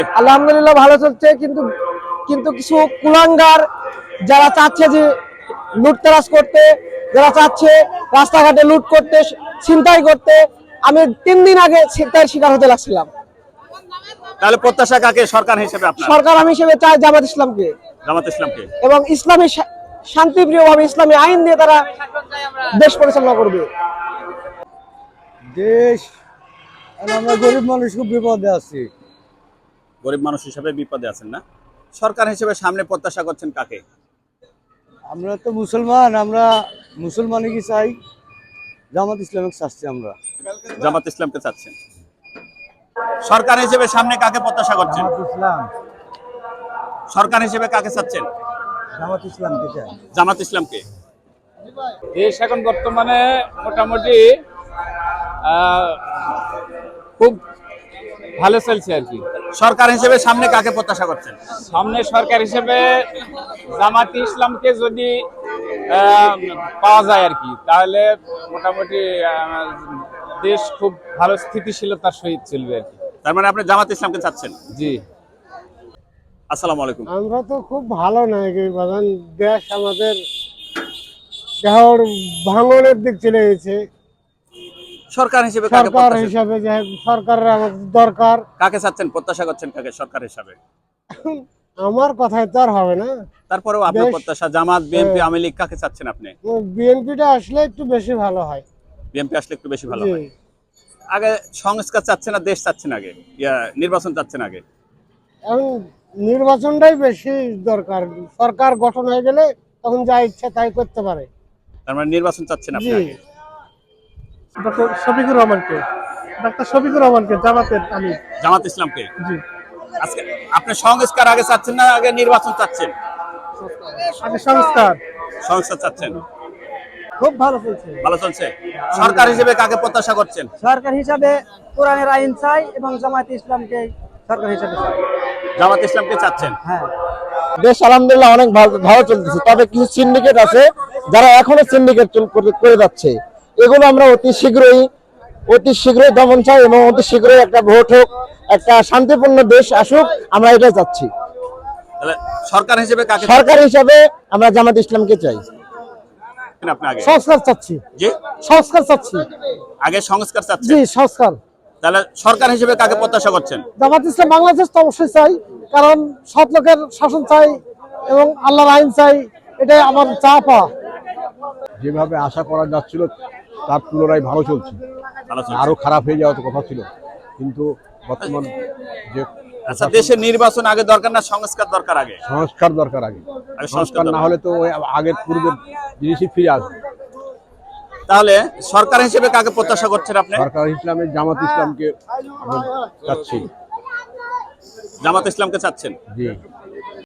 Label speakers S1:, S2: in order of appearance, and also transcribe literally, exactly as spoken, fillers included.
S1: আলহামদুলিল্লাহ ভালো চলছে, কিন্তু কিন্তু কিছু কুলাঙ্গার যারা চাচ্ছে যে লুটতরাজ করতে, যারা চাচ্ছে রাস্তাঘাটে লুট করতে, ছিনতাই করতে, আমি তিন দিন আগে ছিনতাইয়ের শিকার হতে লাগছিলাম।
S2: তাহলে প্রত্যাশা কাকে সরকার হিসেবে আপনার?
S1: সরকার আমি হিসেবে চাই জামাত ইসলামকে।
S2: জামাত ইসলামকে
S1: এবং ইসলামী শান্তিপ্রিয়ভাবে ইসলামী আইন দিয়ে তারা দেশ পরিচালনা করবে।
S3: দেশ আমরা গরিব মানুষ খুব বিপদে আছি।
S2: গরিব মানুষ হিসেবে বিপদে আছেন না? সরকার হিসেবে সামনে প্রত্যাশা করছেন কাকে?
S3: আমরা তো মুসলমান, আমরা মুসলমানই কি চাই, জামাত ইসলামকে চাচ্ছি আমরা।
S2: জামাত ইসলামকে চাচ্ছেন। সরকার হিসেবে সামনে কাকে প্রত্যাশা করছেন?
S3: জামাত ইসলাম।
S2: সরকার হিসেবে কাকে চাচ্ছেন?
S3: জামাত ইসলামকে চাই।
S2: জামাত ইসলামকে।
S4: দেশ এখন বর্তমানে মোটামুটি খুব ভালো চলছে আর কি।
S2: সরকার হিসেবে সামনে কাকে প্রত্যাশা করছেন?
S4: সামনে সরকার হিসেবে জামাত ইসলামকে যদি পাওয়া যায় আর কি, তাহলে মোটামুটি দেশ খুব ভালো স্থিতিশীলতার সহিত চলবে আর কি।
S2: তার মানে আপনি জামাত ইসলামকে চাচ্ছেন?
S4: জি।
S2: আসসালামু আলাইকুম।
S1: আমরা তো খুব ভালো নাই, বাগান দেশ আমাদের দেহর ভাঙনের দিক চলে গেছে।
S2: সরকার হিসেবে কাকে
S1: সরকার
S2: প্রত্যাশা?
S1: হিসাবে যে সরকারের আমাদের দরকার।
S2: কাকে চাচ্ছেন, প্রত্যাশা করছেন কাকে সরকার হিসাবে?
S1: আমার কথায় তো আর হবে না।
S2: তারপরেও আপনার প্রত্যাশা জামাত, বিএনপি, আওয়ামী লীগ কাকে চাচ্ছেন আপনি?
S1: বিএনপিটা আসলে একটু বেশি ভালো হয়।
S2: বিএনপি আসলে একটু বেশি ভালো হয়। আগে সংস্কার চাচ্ছেন না দেশ চাচ্ছেন আগে? ইয়া নির্বাচন চাচ্ছেন আগে?
S1: এখন নির্বাচনটাই বেশি দরকার। সরকার গঠন হয়ে গেলে তখন যা ইচ্ছা তাই করতে পারে।
S2: তার মানে নির্বাচন চাচ্ছেন আপনি আগে?
S1: ডক্টর শফিকুর রহমানকে। ডক্টর শফিকুর রহমানকে, জামাতের আমি।
S2: জামাত ইসলামকে।
S1: জি।
S2: আজকে আপনি সংস্কার আগে চাচ্ছেন না আগে নির্বাচন চাচ্ছেন?
S1: আগে সংস্কার।
S2: সংস্কার চাচ্ছেন।
S1: খুব ভালো চলছে।
S2: ভালো চলছে। সরকার হিসেবে কাকে প্রত্যাশা করছেন?
S1: সরকার হিসাবে কোরআনের আইন চাই এবং জামাত ইসলামকে সরকার হিসাবে চাই।
S2: জামাত ইসলামকে চাচ্ছেন?
S1: হ্যাঁ। দেশ আলহামদুলিল্লাহ অনেক ভালো চলতেছে, তবে কিছু সিন্ডিকেট আছে যারা এখনো সিন্ডিকেট করে যাচ্ছে। এগুলো আমরা অতি শীঘ্রই অতি শীঘ্রই দমন চাই এবং অতি শীঘ্রই একটা ভোট হোক, একটা শান্তিপূর্ণ দেশ আসুক, আমরা এটা চাচ্ছি।
S2: তাহলে সরকার হিসেবে কাকে?
S1: সরকার হিসাবে আমরা জামাত ইসলামকে চাই।
S2: আপনি আগে
S1: সংস্কার চাচ্ছি।
S2: জি,
S1: সংস্কার চাচ্ছি।
S2: আগে সংস্কার চাচ্ছেন?
S1: জি, সংস্কার।
S2: তাহলে সরকার হিসেবে কাকে প্রত্যাশা করছেন?
S1: জামাত ইসলাম বাংলাদেশ তো অবশ্যই চাই, কারণ সৎ লোকের শাসন চাই এবং আল্লাহর আইন চাই, এটাই আমার চা পাওয়া।
S3: যেভাবে আশা করা যাচ্ছিল তার তুলনায় ভালো চলছে। আরো খারাপ হয়ে যাওয়ার কথা ছিল, কিন্তু বর্তমান যে
S2: আচ্ছা, দেশের নির্বাচন আগে দরকার না সংস্কার দরকার আগে?
S3: সংস্কার দরকার আগে। সংস্কার না হলে তো ওই আগের পূর্বের জিনিসই ফিরে আসবে।
S2: তাহলে সরকার হিসেবে কাকে প্রত্যাশা করছেন আপনি?
S3: সরকার ইসলামের জামাত ইসলামকে চাচ্ছি।
S2: জামাত ইসলামকে চাচ্ছেন?
S3: জি।